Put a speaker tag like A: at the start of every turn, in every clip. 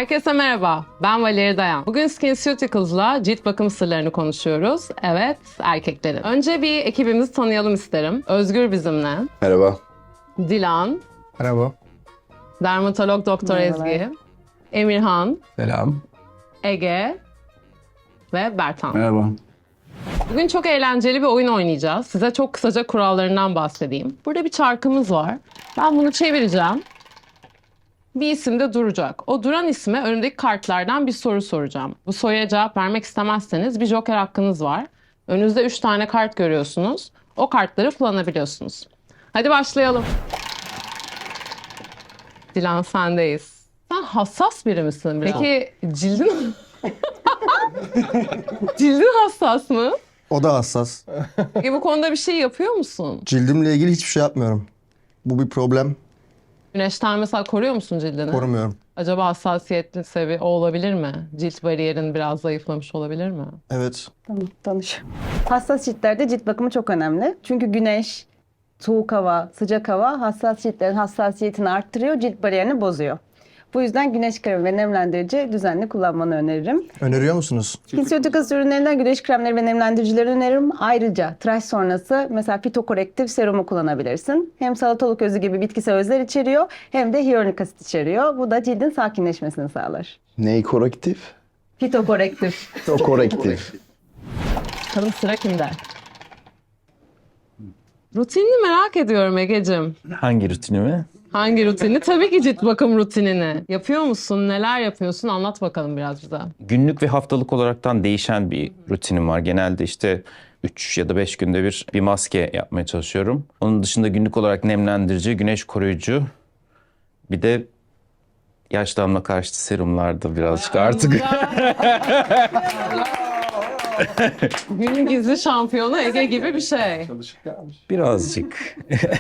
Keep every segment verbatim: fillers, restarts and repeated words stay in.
A: Herkese merhaba, ben Valeri Dayan. Bugün SkinCeuticals'la cilt bakım sırlarını konuşuyoruz. Evet, erkeklerin. Önce bir ekibimizi tanıyalım isterim. Özgür bizimle.
B: Merhaba.
A: Dilan.
C: Merhaba.
A: Dermatolog Doktor Ezgi. Emirhan.
C: Selam.
A: Ege. Ve Bertan.
B: Merhaba.
A: Bugün çok eğlenceli bir oyun oynayacağız. Size çok kısaca kurallarından bahsedeyim. Burada bir çarkımız var. Ben bunu çevireceğim. Bir isim de duracak. O duran isme önümdeki kartlardan bir soru soracağım. Bu soruya cevap vermek istemezseniz bir joker hakkınız var. Önünüzde üç tane kart görüyorsunuz. O kartları kullanabiliyorsunuz. Hadi başlayalım. Dilan sendeyiz. Sen hassas biri misin biraz? Peki cildin... Cildin hassas mı?
C: O da hassas.
A: Peki bu konuda bir şey yapıyor musun?
C: Cildimle ilgili hiçbir şey yapmıyorum. Bu bir problem.
A: Güneşten mesela koruyor musun cildini?
C: Korumuyorum.
A: Acaba hassasiyetli seviye o olabilir mi? Cilt bariyerin biraz zayıflamış olabilir mi?
C: Evet.
D: Tamam, tanış. Hassas ciltlerde cilt bakımı çok önemli. Çünkü güneş, soğuk hava, sıcak hava hassas ciltlerin hassasiyetini arttırıyor, cilt bariyerini bozuyor. Bu yüzden güneş kremi ve nemlendirici düzenli kullanmanı öneririm.
C: Öneriyor musunuz?
D: SkinCeuticals ürünlerinden güneş kremleri ve nemlendiricileri öneririm. Ayrıca tıraş sonrası mesela fitokorektif serumu kullanabilirsin. Hem salatalık özü gibi bitkisel özler içeriyor hem de hyaluronik asit içeriyor. Bu da cildin sakinleşmesini sağlar.
B: Ney korektif?
D: Fitokorektif.
B: O korektif.
A: Bakalım sıra kimde? Rutinini merak ediyorum Egeciğim.
E: Hangi rutinimi?
A: Hangi rutinini? Tabii ki cilt bakım rutinini. Yapıyor musun? Neler yapıyorsun? Anlat bakalım biraz bize.
E: Günlük ve haftalık olaraktan değişen bir rutinim var. Genelde işte üç ya da beş günde bir bir maske yapmaya çalışıyorum. Onun dışında günlük olarak nemlendirici, güneş koruyucu, bir de yaşlanma karşıtı serumlarda birazcık artık.
A: Günün gizli şampiyonu Ege gibi bir şey.
E: Birazcık.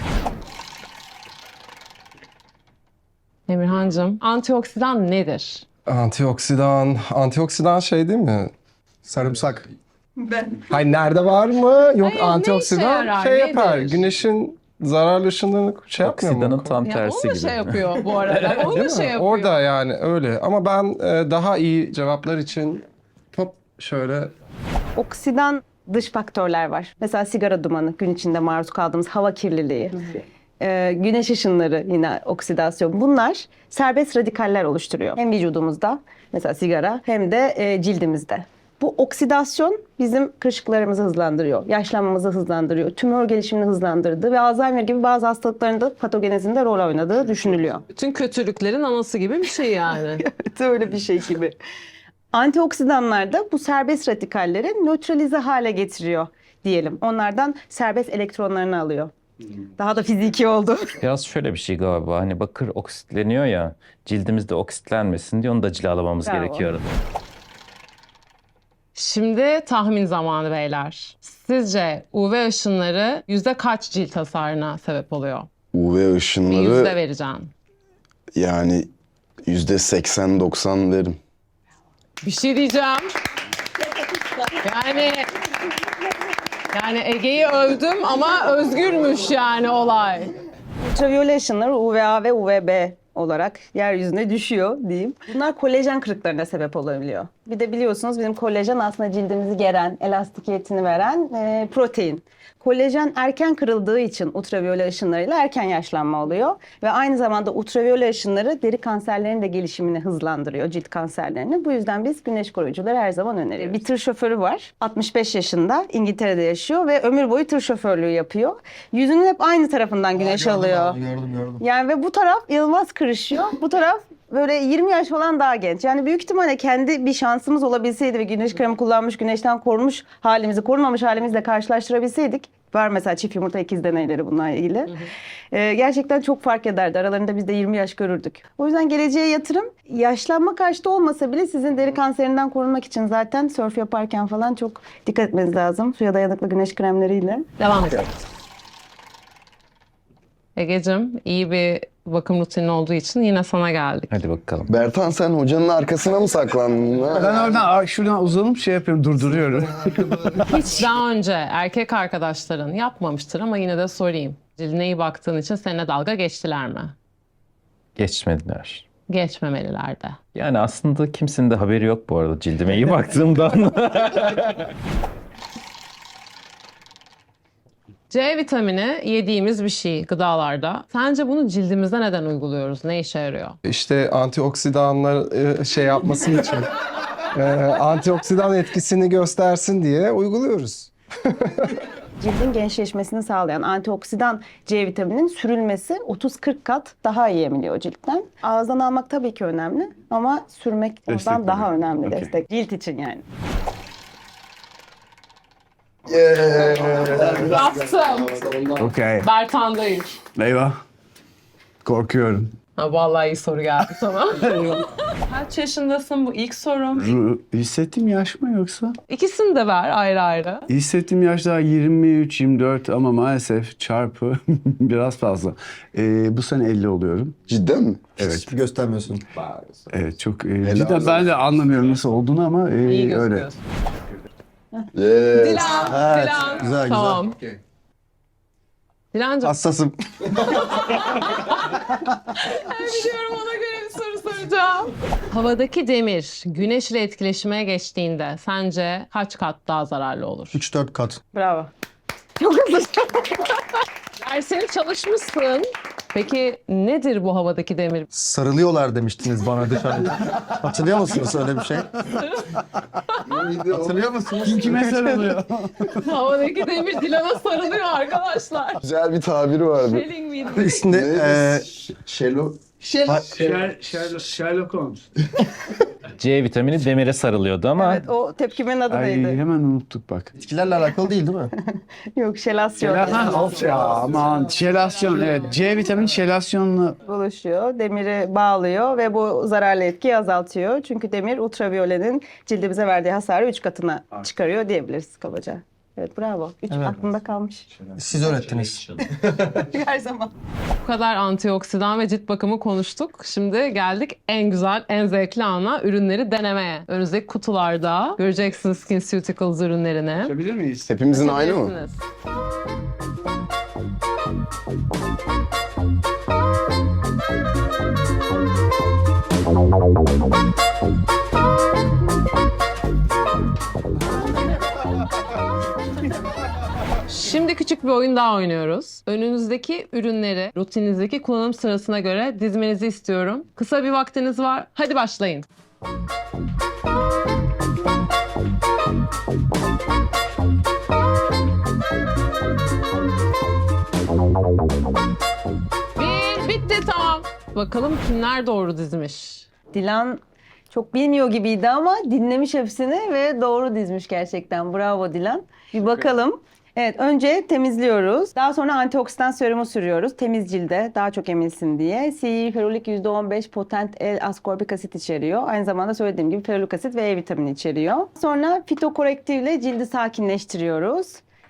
A: Emirhancığım, antioksidan nedir?
F: Antioksidan, antioksidan şey değil mi?
C: Sarımsak.
F: Hayır nerede var mı? Yok,
A: Hayır, ne
F: antioksidan
A: işe yarar,
F: şey yapar.
A: nedir?
F: Güneşin zararlı ışınlarını şey yapmıyor
E: Oksidanın
F: mu?
E: tam
A: Ya
E: tersi
A: onu da
E: gibi.
A: şey yapıyor bu arada. Onu da
F: Değil mi?
A: şey yapıyor.
F: Orada yani öyle. Ama ben e, daha iyi cevaplar için hop şöyle
D: Oksidan dış faktörler var. Mesela sigara dumanı, gün içinde maruz kaldığımız hava kirliliği, e, güneş ışınları yine oksidasyon. Bunlar serbest radikaller oluşturuyor. Hem vücudumuzda mesela sigara hem de e, cildimizde. Bu oksidasyon bizim kırışıklarımızı hızlandırıyor, yaşlanmamızı hızlandırıyor, tümör gelişimini hızlandırdığı ve Alzheimer gibi bazı hastalıkların da patogenezinde rol oynadığı düşünülüyor.
A: Bütün kötülüklerin anası gibi bir şey yani.
D: Evet, öyle bir şey gibi. Antioksidanlar da bu serbest radikalleri nötralize hale getiriyor diyelim. Onlardan serbest elektronlarını alıyor. Daha da fiziki oldu.
E: Biraz şöyle bir şey galiba. Hani bakır oksitleniyor ya, cildimizde oksitlenmesin diye onu da cilalamamız
D: Bravo.
E: gerekiyor arada.
A: Şimdi tahmin zamanı beyler. Sizce U V ışınları yüzde kaç cilt hasarına sebep oluyor?
B: U V
A: Bir yüzde
B: ışınları
A: vereceğim.
B: yani yüzde seksen doksan derim.
A: Bir şey diyeceğim. Yani yani Ege'yi övdüm ama özgürmüş yani olay.
D: Ultraviyole ışınları U V A ve U V B olarak yeryüzüne düşüyor diyeyim. Bunlar kolajen kırıklarına sebep olabiliyor. Bir de biliyorsunuz bizim kolajen aslında cildimizi geren, elastikiyetini veren e, protein. Kolajen erken kırıldığı için ultraviyole ışınlarıyla erken yaşlanma oluyor. Ve aynı zamanda ultraviyole ışınları deri kanserlerinin de gelişimini hızlandırıyor, cilt kanserlerini. Bu yüzden biz güneş koruyucuları her zaman öneriyoruz. Bir tır şoförü var, altmış beş yaşında, İngiltere'de yaşıyor ve ömür boyu tır şoförlüğü yapıyor. Yüzünün hep aynı tarafından güneş alıyor.
C: Gördüm gördüm.
D: Yani ve bu taraf inanılmaz kırışıyor. Bu taraf böyle yirmi yaş falan daha genç. Yani büyük ihtimalle kendi bir şansımız olabilseydi ve güneş kremi kullanmış, güneşten korunmuş halimizi, korunmamış halimizle karşılaştırabilseydik. Var mesela çift yumurta ikiz deneyleri bununla ilgili. Hı hı. Ee, gerçekten çok fark ederdi. Aralarında biz de yirmi yaş görürdük. O yüzden geleceğe yatırım yaşlanma karşıtı olmasa bile sizin deri kanserinden korunmak için zaten sörf yaparken falan çok dikkat etmeniz lazım. Suya dayanıklı güneş kremleriyle.
A: Devam edelim. Ege'cim iyi bir bakım rutinin olduğu için yine sana geldik.
E: Hadi bakalım.
B: Bertan sen hocanın arkasına mı saklandın? Ha?
C: Ben oradan şuradan uzanıp şey yapıyorum, durduruyorum.
A: Hiç daha önce erkek arkadaşların yapmamıştır ama yine de sorayım. Cildine iyi baktığın için seninle dalga geçtiler mi?
E: Geçmediler.
A: geçmemeliler de.
E: Yani aslında kimsenin de haberi yok bu arada cildime iyi baktığımdan.
A: C vitamini yediğimiz bir şey gıdalarda. Sence bunu cildimize neden uyguluyoruz? Ne işe yarıyor?
F: İşte antioksidanlar e, şey yapması için, e, antioksidan etkisini göstersin diye uyguluyoruz.
D: Cildin gençleşmesini sağlayan antioksidan C vitamininin sürülmesi otuz kırk kat daha iyi emiliyor ciltten. Ağızdan almak tabii ki önemli ama sürmek ondan
G: Destek
D: daha
G: veriyor.
D: önemli
G: Okey.
D: destek. Cilt için yani.
A: Bastım.
G: Okey.
A: Bertan'dayım.
G: Eyvah. Korkuyorum.
A: Ha, vallahi iyi soru geldi sana. Kaç yaşındasın, bu ilk sorum.
G: Ru- Hissettiğim yaş mı yoksa?
A: İkisini de ver ayrı ayrı.
G: Hissettiğim yaş daha yirmi üç yirmi dört ama maalesef çarpı biraz fazla. Ee, bu sene elli oluyorum.
B: Cidden mi?
G: Evet.
C: Hiç göstermiyorsun.
G: Evet çok e, cidden ben de anlamıyorum nasıl olduğunu ama e,
A: İyi
G: öyle.
A: gözüküyorsun.
B: Yes.
A: Dilan,
C: Evet,
A: Dilan.
C: güzel, güzel.
A: Tamam. Dilancığım,
C: Hassasım.
A: biliyorum, ona göre bir soru soracağım. Havadaki demir güneş ile etkileşime geçtiğinde sence kaç kat daha zararlı olur?
C: üç dört kat.
D: Bravo. Çok hızlı.
A: Dersini çalışmışsın. Peki nedir bu havadaki demir?
C: Sarılıyorlar demiştiniz bana dışarıda. Hatırlıyor musunuz öyle bir şey? Hatırlıyor musunuz?
G: Kim kime sarılıyor?
A: Havadaki demir Dilan'a sarılıyor arkadaşlar.
B: Güzel bir tabiri vardı.
A: Feeling miydi?
C: Üstünde eee
B: Şelo.
G: Sher- Sherlock, Sherlock Holmes.
E: C vitamini demire sarılıyordu ama
D: Evet, o tepkimenin adı
G: Ay
D: neydi?
G: hemen unuttuk bak.
C: bitkilerle alakalı değil değil mi?
D: Yok, şelasyon.
G: Ha, of ya aman şelasyon evet. C vitamini şelasyonla
D: Buluşuyor, demiri bağlıyor ve bu zararlı etkiyi azaltıyor. Çünkü demir ultraviyolenin cildimize verdiği hasarı üç katına çıkarıyor diyebiliriz kabaca. Evet, bravo. Üç
C: Evet.
D: aklımda kalmış.
C: Siz öğrettiniz.
D: Her zaman.
A: Bu kadar antioksidan ve cilt bakımı konuştuk. Şimdi geldik en güzel, en zevkli ana, ürünleri denemeye. Önümüzdeki kutularda göreceksiniz SkinCeuticals ürünlerini.
G: Bilir miyiz?
B: Hepimizin aynı mı?
A: Bilirsiniz. Şimdi küçük bir oyun daha oynuyoruz. Önünüzdeki ürünleri rutininizdeki kullanım sırasına göre dizmenizi istiyorum. Kısa bir vaktiniz var. Hadi başlayın. Bir, bitti, tamam. Bakalım kimler doğru dizmiş.
D: Dilan çok bilmiyor gibiydi ama dinlemiş hepsini ve doğru dizmiş gerçekten. Bravo Dilan. Bir bakalım. Evet, önce temizliyoruz. Daha sonra antioksidan serumu sürüyoruz. Temiz cilde daha çok emilsin diye. C E ferulik yüzde on beş potent L-askorbik asit içeriyor. Aynı zamanda söylediğim gibi ferulik asit ve E vitamini içeriyor. Sonra fitokorektifle cildi sakinleştiriyoruz.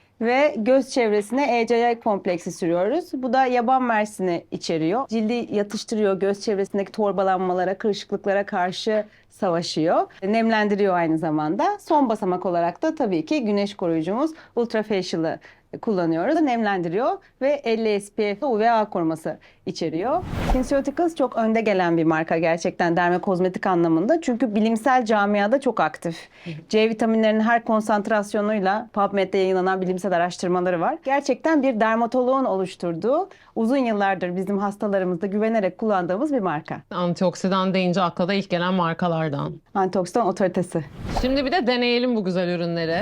D: Ve göz çevresine E C I kompleksi sürüyoruz. Bu da yaban mersini içeriyor. Cildi yatıştırıyor, göz çevresindeki torbalanmalara, kırışıklıklara karşı savaşıyor. Nemlendiriyor aynı zamanda. Son basamak olarak da tabii ki güneş koruyucumuz Ultra Facial'ı kullanıyoruz. Nemlendiriyor ve elli S P F U V A koruması içeriyor. SkinCeuticals çok önde gelen bir marka gerçekten dermokozmetik anlamında. Çünkü bilimsel camiada çok aktif. C vitaminlerinin her konsantrasyonuyla PubMed'de yayınlanan bilimsel araştırmaları var. Gerçekten bir dermatoloğun oluşturduğu, uzun yıllardır bizim hastalarımızda güvenerek kullandığımız bir marka.
A: Antioksidan deyince akla da ilk gelen markalardan.
D: Antioksidan otoritesi.
A: Şimdi bir de deneyelim bu güzel ürünleri.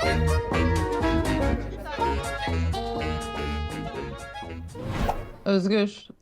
A: Özgür,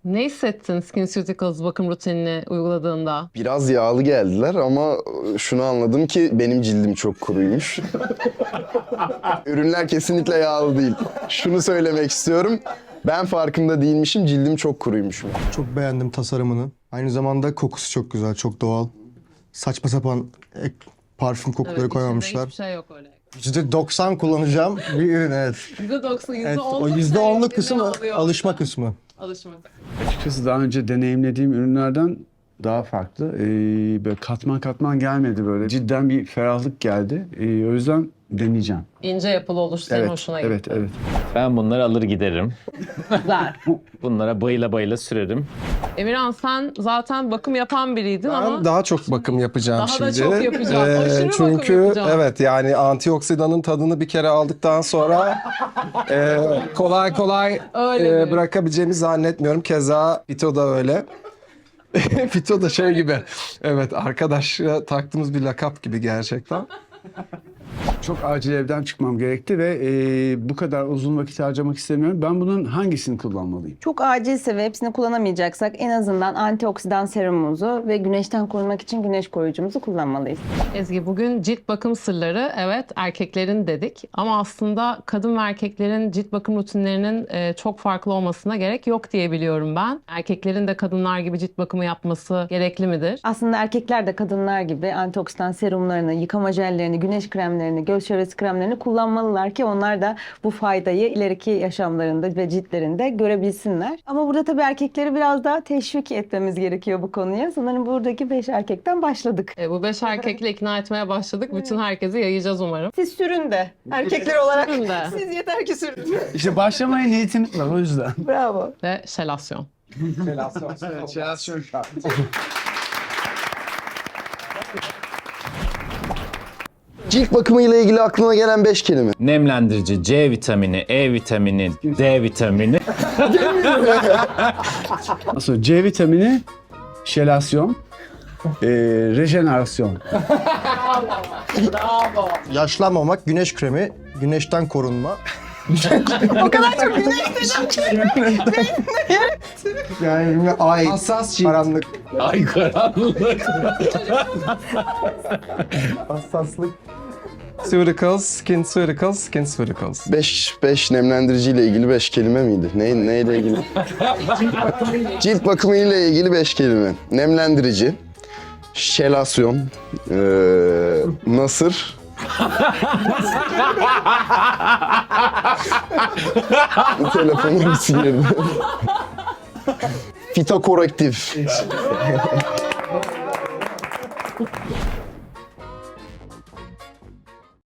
A: Ne hissettin SkinCeuticals bakım rutinini uyguladığında?
B: Biraz yağlı geldiler ama şunu anladım ki benim cildim çok kuruymuş. Ürünler kesinlikle yağlı değil. Şunu söylemek istiyorum. Ben farkında değilmişim, cildim çok kuruymuş.
C: Çok beğendim tasarımını. Aynı zamanda kokusu çok güzel, çok doğal. Saçma sapan ek parfüm kokuları
A: Evet,
C: koymamışlar.
A: içinde hiçbir şey yok öyle.
C: yüzde doksan kullanacağım bir ürün, evet.
A: yüzde doksan, yüzde
C: Evet,
A: on
C: o yüzde onluk kısmı alışma kısmı.
A: Alışma.
G: Açıkçası daha önce deneyimlediğim ürünlerden daha farklı. Ee, böyle katman katman gelmedi böyle. Cidden bir ferahlık geldi. Ee, o yüzden deneyeceğim.
A: İnce yapılı oluş senin
G: Evet,
A: hoşuna gitti.
G: evet, evet.
E: Ben bunları alır giderim.
A: Güzel.
E: Bunlara bayıla bayıla sürerim.
A: Emirhan sen zaten bakım yapan biriydin
F: Ben
A: ama
F: daha çok bakım yapacağım
A: Daha da
F: şimdi.
A: çok yapacağım. Aşırı bakım
F: çünkü
A: yapacağım.
F: evet yani antioksidanın tadını bir kere aldıktan sonra e, kolay kolay
A: Öyle
F: e,
A: mi?
F: bırakabileceğimi zannetmiyorum. Keza Fito da öyle. Fito da şey gibi. Evet, arkadaş taktığımız bir lakap gibi gerçekten.
G: Çok acil evden çıkmam gerekti ve e, bu kadar uzun vakit harcamak istemiyorum. Ben bunun hangisini kullanmalıyım?
D: Çok acilse ve hepsini kullanamayacaksak en azından antioksidan serumumuzu ve güneşten korunmak için güneş koruyucumuzu kullanmalıyız.
A: Ezgi bugün cilt bakım sırları evet erkeklerin dedik ama aslında kadın ve erkeklerin cilt bakım rutinlerinin e, çok farklı olmasına gerek yok diye biliyorum ben. Erkeklerin de kadınlar gibi cilt bakımı yapması gerekli midir?
D: Aslında erkekler de kadınlar gibi antioksidan serumlarını, yıkama jellerini, güneş kremlerini, göz çevresi kremlerini kullanmalılar ki onlar da bu faydayı ileriki yaşamlarında ve ciltlerinde görebilsinler. Ama burada tabii erkekleri biraz daha teşvik etmemiz gerekiyor bu konuya. Sanırım buradaki beş erkekten başladık.
A: E, bu beş erkekle ikna etmeye başladık. Bütün herkese yayacağız umarım.
D: Siz sürün de. Erkekler olarak
A: Sürün de.
D: siz yeter ki sürün.
G: İşte başlamaya niyetimiz var o yüzden.
D: Bravo.
A: Ve şelasyon.
B: Cilt bakımı ile ilgili aklına gelen beş kelime.
E: Nemlendirici, C vitamini, E vitamini, D vitamini.
G: Sonra C vitamini, şelasyon, e, rejenerasyon.
C: Yaşlanmamak, güneş kremi, güneşten korunma.
D: O kadar çok güneş dedim ki.
C: Yani ay,
F: Hassas cilt.
C: karanlık,
E: Ay karanlık.
C: hassaslık.
F: Suricals, skin suricals, skin suricals.
B: beş beş nemlendirici ile ilgili beş kelime miydi? Ne neyle ilgili? Cilt bakımı ile ilgili beş kelime. Nemlendirici, şelasyon, eee nasır. Telefonum birisi girdi. Fitokorektif.